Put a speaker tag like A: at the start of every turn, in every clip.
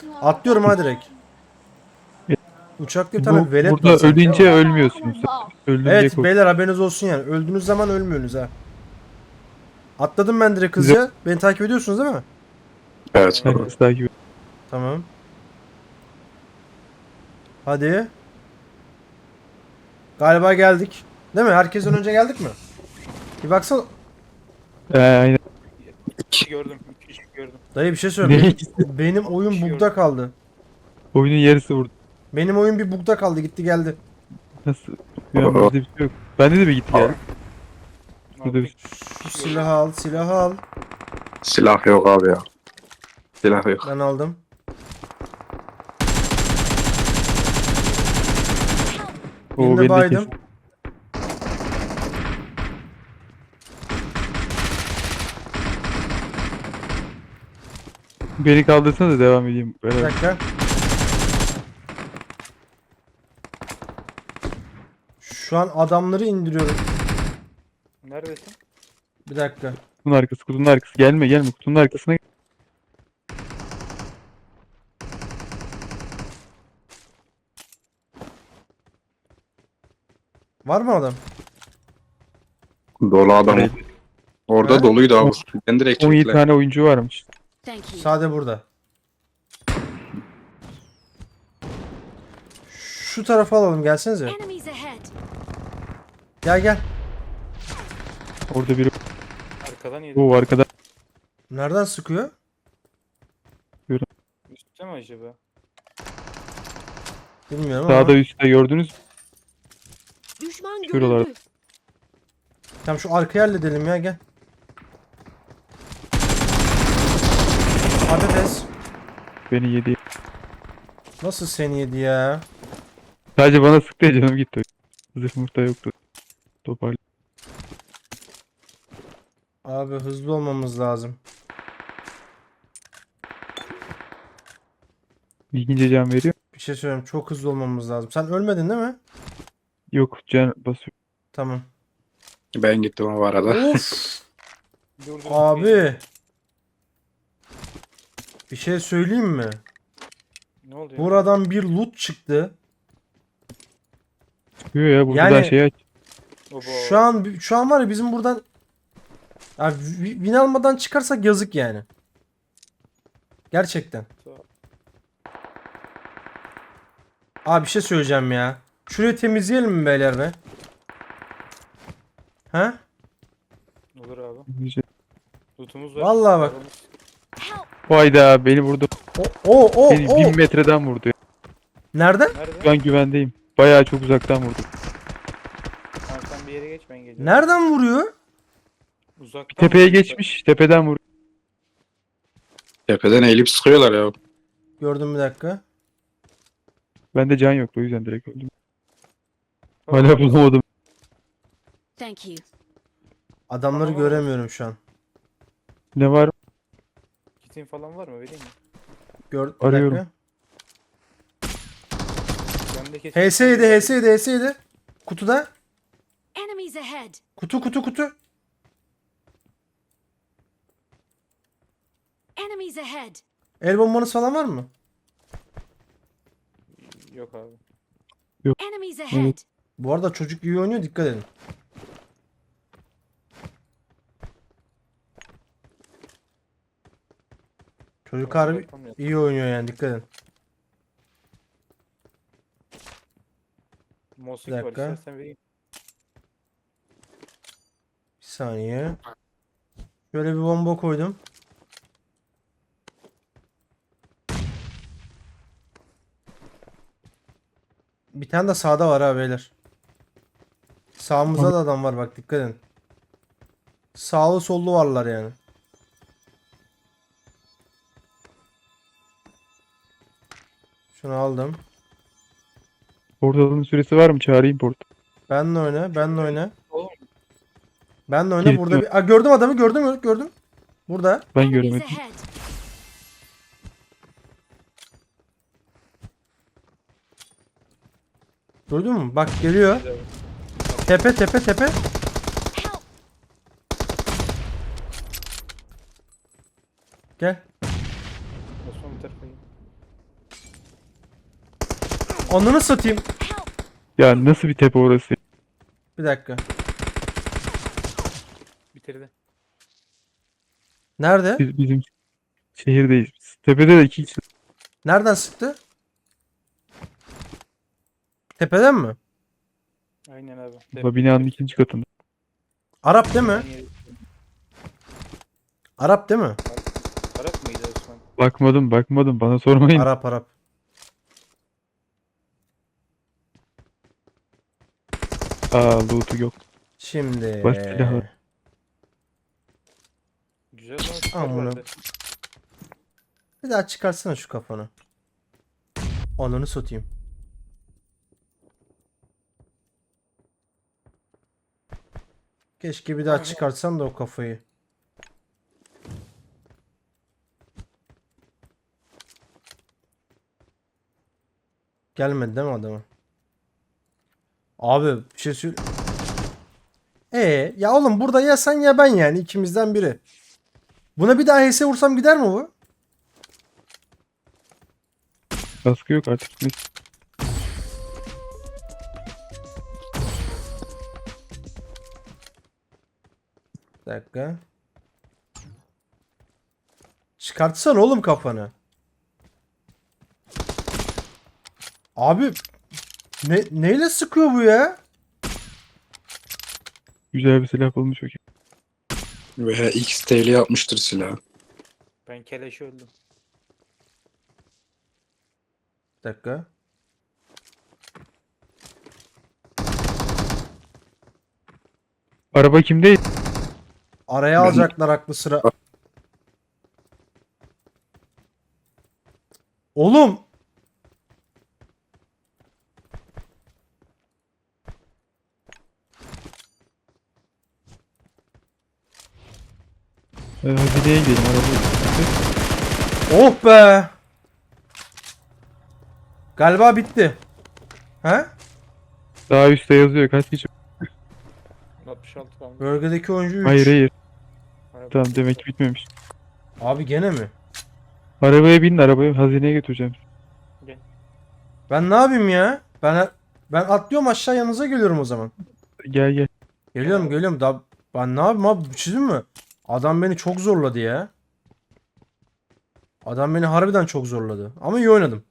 A: Atlıyorum ha direkt. Uçakta bir tane velet var
B: Burada
A: sanki
B: ölünce
A: ama.
B: ölmüyorsunuz. Öldüm diye
A: Evet
B: kork.
A: beyler haberiniz olsun yani. Öldüğünüz zaman ölmüyorsunuz ha. Atladım ben direkt
B: Size
A: hızlıca. Beni takip ediyorsunuz değil mi?
C: Evet.
B: herkes takip ediyor.
A: Tamam. Hadi. Galiba geldik. Değil mi? Herkesten önce geldik mi? Bir baksana.
B: Aynen.
D: İki gördüm. İki kişi gördüm.
A: Dayı bir şey
B: Ne
A: söyle.
B: ikisi?
A: Benim oyun bug'da kaldı.
B: Oyunun yarısı vurdu.
A: Benim oyun bir bug'da kaldı. Gitti geldi.
B: Nasıl? Ya bizde bir şey yok. Bende de bir gitti geldi. Burada bir
A: Şu silahı al. Silahı al.
C: Silah yok abi ya. Silah yok.
A: Ben aldım.
B: o
A: Birini
B: beni de
A: baydım.
B: kesin. Beni kaldırsana da devam edeyim.
A: Bir
B: Beraber.
A: dakika. Şu an adamları indiriyorum.
D: Neredesin?
A: Bir dakika.
B: Kutunun arkası, kutunun arkası. Gelme gelme kutunun arkasına.
A: Var mı adam?
C: Dolu adam.
B: Evet.
C: Orada
A: Ha?
C: doluydu abi. Ben direkt
B: 17
C: çektiler.
B: tane oyuncu varmış.
E: Thank you.
A: Sade burada. Şu tarafa alalım gelsenize.
E: Enemies ahead.
A: Gel gel.
B: Orada biri.
D: Arkadan yedim.
B: O arkada.
A: Nereden sıkıyor?
D: Üstte mi acaba?
A: Bilmiyorum
B: Sağda
A: ama.
B: üstte gördünüz mü?
E: Düşman
B: Şuralar.
E: görüldü.
A: Tamam şu arkayı halledelim ya gel. Patates.
B: Beni yedi.
A: Nasıl seni yedi ya?
B: Sadece bana sıktı ya canım gitti. Zırh murta yoktu. Toparlı.
A: Abi hızlı olmamız lazım.
B: İlgince can veriyor.
A: Bir şey söyleyeyim çok hızlı olmamız lazım. Sen ölmedin değil mi?
B: Yok can basıyor.
A: Tamam.
C: Ben gittim o arada.
A: Of
D: Dur dur.
A: abi. Bir şey söyleyeyim mi?
D: Ne oluyor?
A: Buradan bir loot çıktı.
B: Çıkıyor ya buradan
A: Yani-
B: şey aç.
D: Obo.
A: Şu an var ya bizim buradan ya, win almadan çıkarsak yazık yani. Gerçekten. Abi bir şey söyleyeceğim ya. Şurayı temizleyelim mi beyler be? Ha?
D: Olur abi.
B: İlgince.
D: Lootumuz var.
A: Vallahi bak.
D: Paramız-
E: Help.
B: Hayda beni vurdu.
A: O
B: Beni 1000 metreden vurdu.
A: Nereden?
B: Şu
D: Nerede?
B: an güvendeyim. Bayağı çok uzaktan vurdu.
D: Tamam sen bir yere geç ben geliyorum.
A: Nereden vuruyor?
D: Uzaktan
B: Tepeye
D: vuruyor.
B: geçmiş. Tepeden vurdu.
C: Tepeden eğilip sıkıyorlar ya.
A: Gördüm bir dakika.
B: Bende can yoktu o yüzden direkt öldüm.
D: Tamam.
B: Hala bulamadım.
E: Thank you.
A: Adamları
D: Tamam, var.
A: göremiyorum şu an.
B: Ne var?
D: Kitin falan var mı? Vereyim mi?
A: Bir
B: Arıyorum.
A: dakika.
D: Bende kesin.
A: HS7. Kutuda.
E: Enemies ahead.
A: Kutu.
E: Enemies ahead.
A: El bombanız falan var mı?
D: Yok abi.
E: Enemies ahead.
A: Bu arada çocuk iyi oynuyor dikkat edin. Çocuk harbi
D: Yapamıyorum.
A: iyi oynuyor yani dikkat edin.
D: Mosik
A: Bir
D: var
A: dakika.
D: istersen vereyim.
A: Bir saniye. Şöyle bir bomba koydum. Bir tane de sağda var ha beyler. Sağımızda da adam var bak dikkat edin. Sağlı sollu varlar yani. Şunu aldım.
B: Portalın süresi var mı? Çağırayım portal.
A: Benle oyna.
D: Oğlum
A: Benle oyna.
B: Kilitli
A: Burada
B: mi?
A: bir... Aa, gördüm adamı gördüm. Burada.
B: Ben
E: Enemies
B: görmedim.
E: ahead.
A: Duydun mu? Bak geliyor.
D: güzel.
A: Tepe.
E: Help.
A: Gel.
D: Osman bir tarafa gel.
A: Ananı satayım.
E: Help!
B: Ya nasıl bir tepe orası?
A: Bir dakika.
D: Bitirdi.
A: Nerede?
B: Bizim şehirdeyiz biz. Tepede de 2 kişi.
A: Nereden sıktı? Tepeden mi?
D: Aynen abi.
B: Bu binanın 2. katında.
A: Arap değil mi?
D: Aynı yeri-
A: Arap değil mi?
D: Arap mıydı Osman?
B: Bakmadım bana sormayın.
A: Arap Arap.
B: Loot'u yok.
A: Şimdi.
B: Baş silahı.
D: Güzel lan. süper
A: Amına.
D: vardı.
A: Bir daha çıkarsana şu kafanı. Ananı satayım. Keşke bir daha çıkartsan da o kafayı. Gelmedi değil mi adama? Abi bir şey söyle. Ya oğlum burada ya sen ya ben yani ikimizden biri. Buna bir daha HS vursam gider mi bu?
B: Kaskı yok artık. Neyse.
A: Bir dakika. Çıkartsana oğlum kafanı. Abi neyle sıkıyor bu ya?
B: Güzel bir silah bulmuş o ki.
C: Veya XT'li yapmıştır silah.
D: Ben keleşi öldüm.
A: Bir dakika.
B: Araba kimde?
A: Araya
C: Ben-
A: alacaklar aklı sıra. Oğlum.
B: Hazineye gidelim araba.
A: Oh be. Galiba bitti. He?
B: Daha üstte yazıyor kaç kişi.
D: 66 kalmış.
A: Bölgedeki oyuncu 3.
B: Hayır.
D: Araba-
B: Tamam demek ki bitmemiş.
A: Abi gene mi?
B: Arabaya binin arabaya hazineye götüreceğim.
A: Ben ne yapayım ya? Ben atlıyorum aşağı yanınıza geliyorum o zaman.
B: Gel.
A: Geliyorum. Ben ne yapayım abi? Bir şey diyeyim mi? Adam beni çok zorladı ya. Adam beni harbiden çok zorladı. Ama iyi oynadım.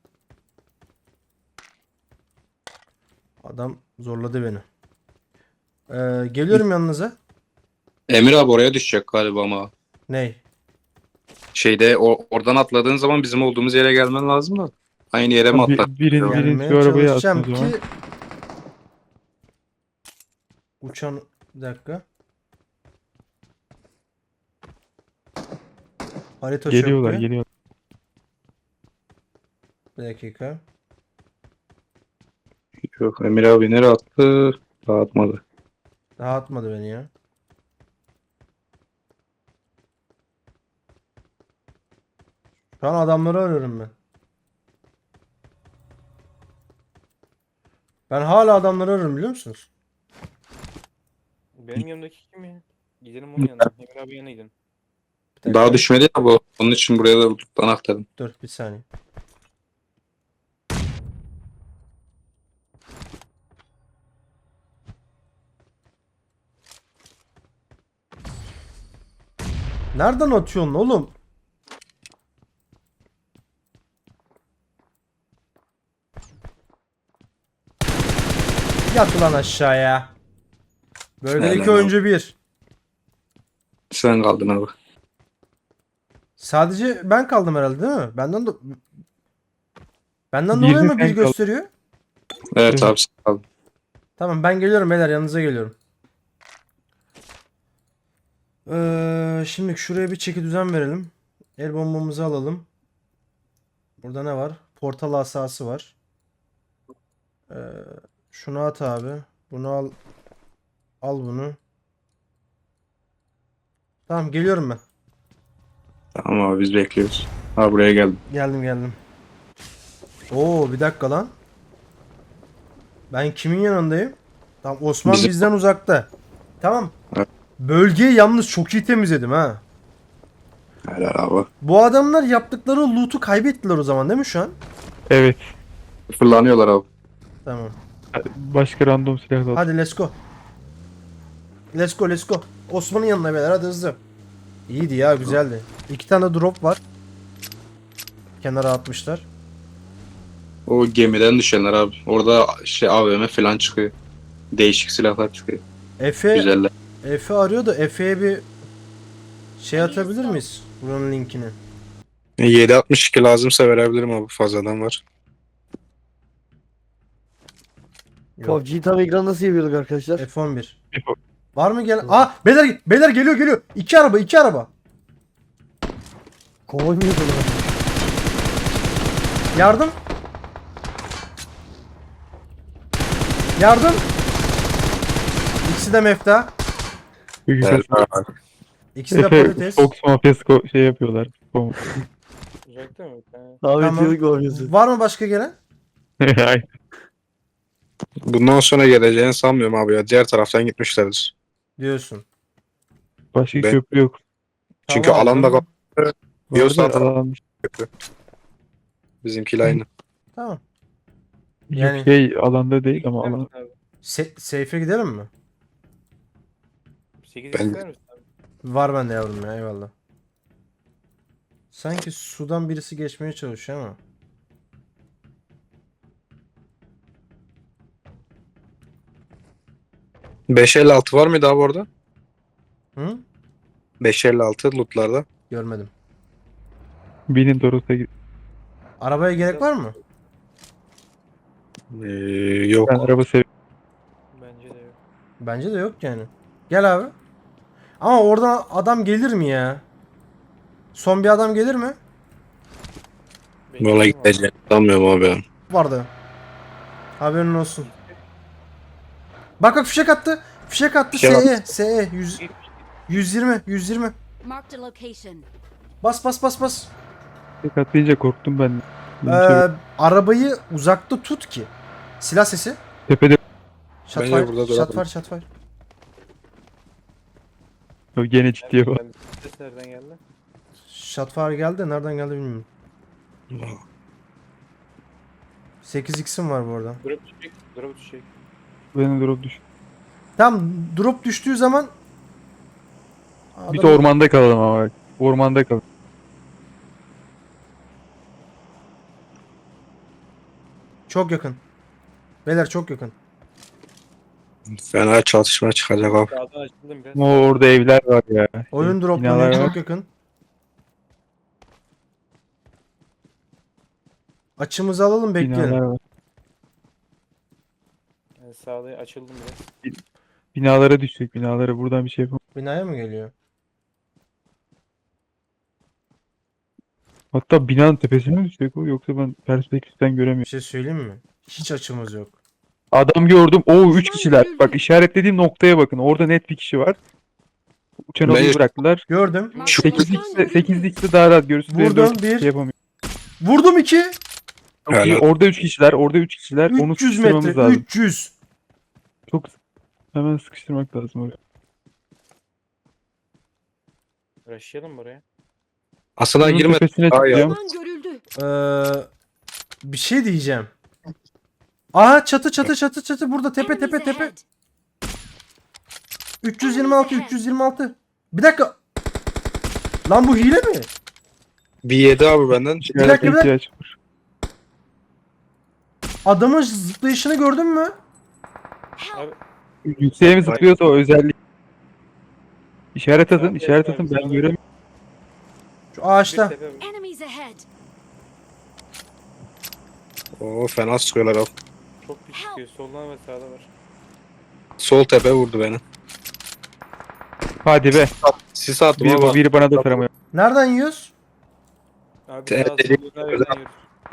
A: Adam zorladı beni. Geliyorum yanınıza.
C: Emir abi oraya düşecek galiba ama.
A: Ney?
C: Şeyde oradan atladığın zaman bizim olduğumuz yere gelmen lazım da. Aynı yere mi atladın?
B: Biriniz
A: Gelmeye
B: şu arabaya atın
A: çalışacağım
B: o zaman.
A: ki uçan bir dakika. Harita
B: Geliyorlar
A: çöktü.
B: geliyorlar.
A: Bir dakika.
C: Yok Emir abi nereye attı? Daha atmadı.
A: Daha atmadı beni ya. Şu an adamları arıyorum ben. Ben hala adamları arıyorum biliyor musunuz?
D: Benim yanımdaki kim ya? Gidelim onun yanına. Emir abi yanına gidin.
A: Bir dakika.
C: Daha düşmedi ya bu. Onun için buraya da loot'tan aktardım.
A: Dur bir saniye. Nereden atıyorsun oğlum? Yat ulan aşağıya. Bölgedeki
C: Helal
A: oyuncu 1.
C: Sen kaldın abi.
A: Sadece ben kaldım herhalde değil mi? Benden
B: Bir de
A: dolayı mı
B: sen
A: bir
B: kaldın.
A: gösteriyor?
C: Evet
B: Evet.
C: abi sen kaldın.
A: Tamam ben geliyorum beyler yanınıza geliyorum. Şimdi şuraya bir çeki düzen verelim. El bombamızı alalım. Burada ne var? Portal asası var. Şunu at abi. Bunu al. Al bunu. Tamam geliyorum ben.
C: Tamam abi biz bekliyoruz. Ha buraya geldim.
A: Geldim. Oo bir dakika lan. Ben kimin yanındayım? Tamam Osman
C: Bizim-
A: bizden uzakta. Tamam.
C: Evet.
A: Bölgeyi yalnız çok iyi temizledim ha.
C: Helal abi.
A: Bu adamlar yaptıkları loot'u kaybettiler o zaman değil mi şu an?
B: Evet.
C: Fırlanıyorlar abi.
A: Tamam.
B: Başka random silah da al.
A: Hadi let's go. Let's go let's go. Osman'ın yanına beyler hadi hızlı. İyiydi ya güzeldi. 2 tane drop var. Kenara atmışlar.
C: O gemiden düşenler abi. Orada şey AVM falan çıkıyor. Değişik silahlar çıkıyor.
A: Efe
C: Güzeller.
A: Efe arıyor da Efe'ye bir şey atabilir miyiz? Buranın linkini.
C: 7.62 lazımsa verebilirim abi. Fazladan var.
A: Yok.
F: PUBG'yi tam ekran nasıl yapıyorduk arkadaşlar?
A: F11.
B: F11.
A: Var mı gelen? Aa beyler geliyor. 2 araba.
F: Konvoy mu yapıyorduk?
A: Yardım. İkisi de mefta.
B: Güzel.
A: İkisi de
B: Efe
A: patates.
B: Fox Mafyası şey yapıyorlar. Bom.
D: Uzakta mı? Ha.
F: Abi
A: Tamam.
F: yapıyorduk mafyası.
A: Var mı başka gelen?
B: Ay,
C: Bundan sonra geleceğini sanmıyorum abi ya. Diğer taraftan gitmişlerdir.
A: Diyorsun.
B: Başka
C: Ben-
B: köprü yok.
C: Çünkü
A: Tamam,
C: alanda
A: tamam.
C: Diyorsa
B: Vardı, alan-
C: bizimkiyle aynı.
A: Tamam.
B: Yok,
A: Yani-
B: şey alanda değil ama alan.
D: Abi.
A: Seyfe gidelim mi?
D: 8
C: Ben-
D: ister misin abi?
A: Var bende yavrum ya eyvallah. Sanki sudan birisi geçmeye çalışıyor ama.
C: .556 var mıydı abi orada?
A: Hı?
C: 556 lootlarda.
A: Görmedim.
B: Binin Toros'a git.
A: Arabaya gerek var mı?
C: Yok.
B: Ben araba seviyorum.
D: Bence de yok.
A: Bence de yok yani. Gel abi. Ama oradan adam gelir mi ya? Son bir adam gelir mi?
C: Yola
D: Bekliyorum
C: gideceğini sanmıyorum abi ya.
A: Vardı. Haberin olsun. Bak fişek attı. Fişek attı.
C: Fişek
A: SE 120.
E: Marked a location.
A: Bas.
B: Tek atlayınca korktum ben. Benim şey-
A: Arabayı uzakta tut ki. Silah sesi.
B: Tepede
C: Bence burada duralım.
A: Shotfire.
B: gene ciddiye bak.
D: abi. Ses nereden geldi?
A: Shotfire geldi. Nereden geldi bilmiyorum. 8x'im var bu arada.
D: Drop düşecek.
B: Benim drop düş.
A: Tam drop düştüğü zaman
B: Bir de ormanda kalalım ama bak. Ormanda kalalım.
A: Çok yakın. Beyler çok yakın.
C: Fena çatışma çıkacak abi.
D: Sağdan açıldım biraz.
B: Ama orada evler var ya.
A: Oyun
B: Binalar
A: droplanıyor
B: var.
A: çok yakın. Açımızı alalım
B: Binalar
A: bekleyelim.
B: var.
D: Yani sağda açıldım biraz.
B: Binalara düşecek binalara. Buradan bir şey yapalım.
A: Binaya mı geliyor?
B: Hatta binanın tepesine mi düşecek o? Yoksa ben perspektiften
A: Bir
B: göremiyorum.
A: şey söyleyeyim mi? Hiç açımız yok.
B: Adam gördüm. Oo 3 kişiler. Bak işaretlediğim noktaya bakın. Orada net bir kişi var. Uçan
C: Ben-
B: odayı bıraktılar.
A: Gördüm.
E: Marked a location.
B: 8x'de daha rahat görürsün.
A: Vurdum,
B: Dört
A: bir.
B: şey yapamıyor.
A: Vurdum 2.
B: Çok iyi.
C: Helal.
B: Orada 3 kişiler. Orada 3 kişiler. Onu
A: 300
B: sıkıştırmamız
A: metre.
B: lazım.
A: 300.
B: Çok hemen sıkıştırmak lazım oraya.
D: Rushlayalım buraya.
C: Aslında
B: Bunun
C: girmedi.
B: tepesine
C: Daha ya.
B: çıkacağım.
E: Düşman görüldü.
A: Bir şey diyeceğim. Aha çatı burada tepe
E: Enemies
A: tepe.
E: ahead.
A: 326. Bir dakika. Lan bu hile mi?
C: Bir yedi abi benden.
A: Bir dakika.
B: ihtiyaç var.
A: Adamın zıplayışını gördün mü?
D: Abi
B: Yükseğe mi zıplıyorsa o özellik. İşaret atın,
D: Tamam,
B: işaret
D: tamam,
B: atın. Ben
D: tamam.
B: göremiyorum.
A: Şu ağaçta.
D: bir tepe var.
E: Enemies ahead.
C: Oo fena sıkıyorlar abi.
D: Çok pis çıkıyor. Soldan ve sağda var.
C: Sol tepe vurdu beni.
B: Hadi be.
C: Sis attım ama.
B: Biri bana da taramıyor.
A: Nereden yiyoruz?
D: Abi
C: Te-
D: sağ
C: te-
D: soldan yürüyoruz.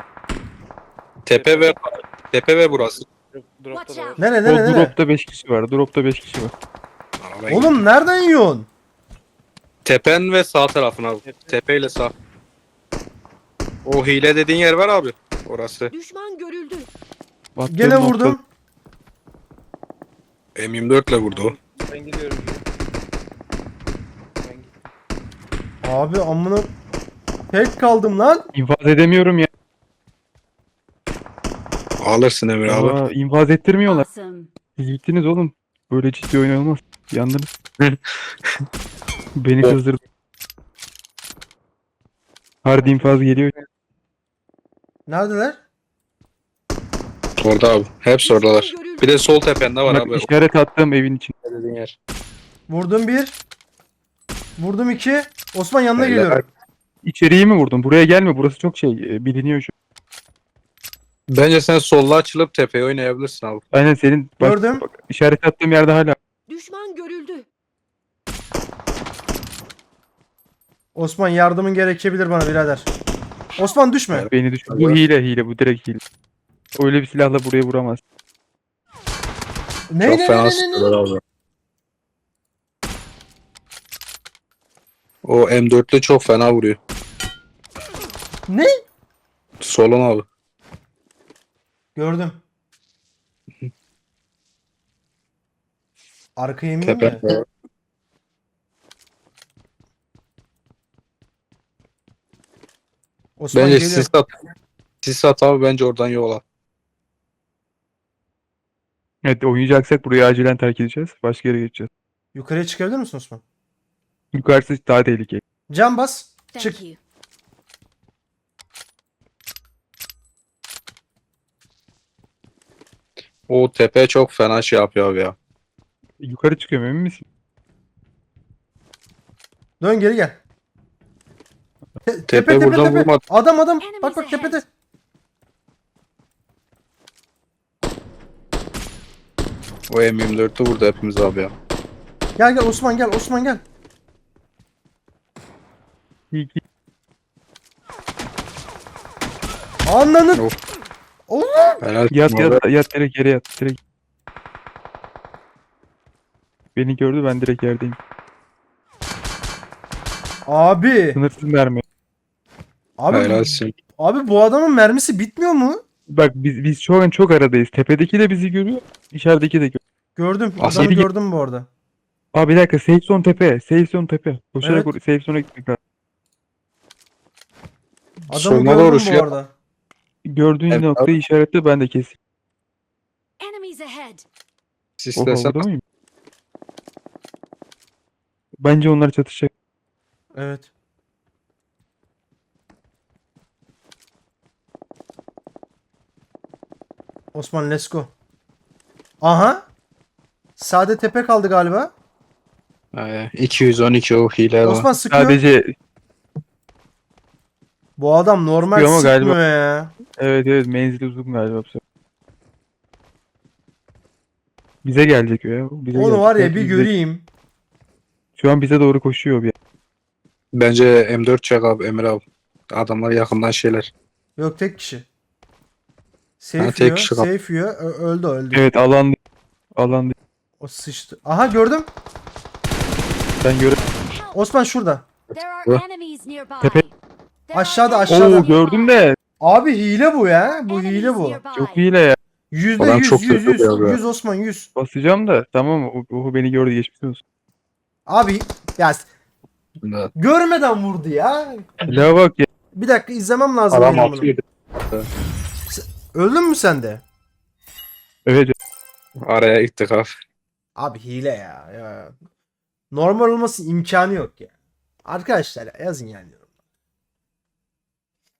C: Tepe ve burası.
D: Dropta da var.
E: Watch
B: O
A: Nere?
B: dropta 5 kişi var. Dropta 5 kişi var.
A: Oğlum nereden yiyorsun?
C: Tepen ve sağ tarafın abi. Tepeyle sağ. O hile dediğin yer var abi. Orası.
E: Düşman görüldü.
B: Baktığım
A: Gene
B: nokta-
A: vurdum.
C: M24 ile vurdu o.
D: Ben gidiyorum. Ben gittim.
A: Abi amına tek kaldım lan.
B: İnfaz edemiyorum ya.
C: Alırsın Emir abi.
B: Aa, infaz ettirmiyorlar.
E: Awesome.
B: Siz gittiniz oğlum. Böyle ciddi oyun olmaz. Yandınız. Beni
C: O-
B: kızdırdı. Hard infaz geliyor.
A: Neredeler?
C: Orada abi. Hepsi oradalar. Bir de sol tepende var
B: Bak
C: abi.
B: işaret attığım evin için.
C: O dediğin yer.
A: Vurdum bir. Vurdum iki. Osman yanına
C: Beyler,
A: geliyorum.
B: İçeriği mi vurdun? Buraya gelme. Burası çok biliniyor şu.
C: Bence sen solla açılıp tepeye oynayabilirsin abi.
B: Aynen senin
A: Gördüm.
B: bak, işaret attığım yerde hala.
E: Düşman görüldü.
A: Osman yardımın gerekebilir bana birader. Osman düşme.
B: Beni düşün. Bu hile bu direkt hile. Öyle bir silahla buraya vuramaz.
A: Ne
C: Çok
A: ne
C: fena
A: ne ne
C: sıkıyorlar
A: ne?
C: abi. O M4'lü çok fena vuruyor.
A: Ne?
C: Solun abi.
A: Gördüm. Arkaya ineyim
C: Tepe.
A: mi? Osman
C: Bence
A: geliyor.
C: sis at. Sis at abi bence oradan yola.
B: Evet oynayacaksak burayı acilen terk edeceğiz. Başka yere geçeceğiz.
A: Yukarıya çıkabilir misin Osman?
B: Yukarısı daha tehlikeli.
A: Cam bas.
E: Thank
A: Çık.
E: you.
C: O tepe çok fena şey yapıyor abi ya.
B: Yukarı çıkıyorum emin misin?
A: Dön geri gel.
C: Tepe buradan vurmadı.
A: Adam. Bak
E: Enemies
A: tepede.
E: ahead.
C: O M24'ü vurdu hepimiz abi ya.
A: Gel Osman gel.
B: İyi ki.
A: Anlanın.
C: Of.
A: Oğlum.
C: Helal.
B: Yat
C: abi.
B: yat direkt yere yat. Direkt. Beni gördü ben direkt yerdeyim.
A: Abi.
B: Sınırsız mermi.
C: Helalsin.
A: Abi bu adamın mermisi bitmiyor mu?
B: Bak biz şu an çok aradayız. Tepedeki de bizi görüyor. İçerideki de görüyor.
A: Gördüm.
C: Aslında
A: Adamı
B: geri-
A: gördüm bu arada.
B: Abi bir dakika safe zone tepe. Safe zone tepe. Koşarak
A: Evet.
B: safe zone'a gitmek lazım.
A: Adamı
C: Soluna
A: gördüm
C: doğru
A: bu
C: şey yap.
A: arada.
B: Gördüğün
C: Evet,
B: noktayı işaretle ben de keseyim.
E: Enemies ahead.
B: Oha
C: Sislesen.
B: burada mıyım? Bence onlar çatışacak.
A: Evet. Osman let's go. Aha. Sade tepe kaldı galiba.
C: 212 o hile var.
A: Osman sıkıyor.
B: Sadece
A: Bu adam normal
B: Sıkıyor ama
A: sıkmıyor
B: galiba-
A: ya.
B: evet menzili uzun galiba bu sefer. Bize gelecek o ya. Bize
A: Onu
B: gelecek.
A: var ya
B: Belki
A: bir
B: bize-
A: göreyim.
B: Şu an bize doğru koşuyor bir.
C: Bence M4 çek abi Emir abi. Adamlar yakından şeyler.
A: Yok tek kişi.
C: Ha,
A: Safe
C: tek
A: yiyor.
C: kişi kaldı.
A: Safe yiyor. Öldü.
B: Evet alan
A: O sıçtı. Aha gördüm.
B: ben göre.
E: Help.
A: Osman şurada.
E: There are
C: What?
E: enemies nearby.
B: Tepe-
E: There are
A: Aşağıda,
E: enemies
A: aşağıda.
B: Oo
E: nearby.
B: gördüm de
A: Abi hile bu ya. Bu
E: Enemies
A: hile bu.
E: nearby.
B: çok hile ya.
A: Yüzde
C: Adam
A: yüz,
C: çok
A: yüz,
C: kötü
A: yüz.
C: yapıyor ya.
A: 100 Osman 100.
B: Basacağım da tamam o beni gördü geçmiş olsun.
A: Abi ya görmeden vurdu ya.
B: La bak ya.
A: Bir dakika izlemem lazım.
C: Adam
A: benim bunu.
C: atıyor.
A: Öldün mü sen de?
B: Evet
C: Araya gittik abi.
A: Abi hile ya. Normal olması imkanı yok ya. Arkadaşlar yazın yani.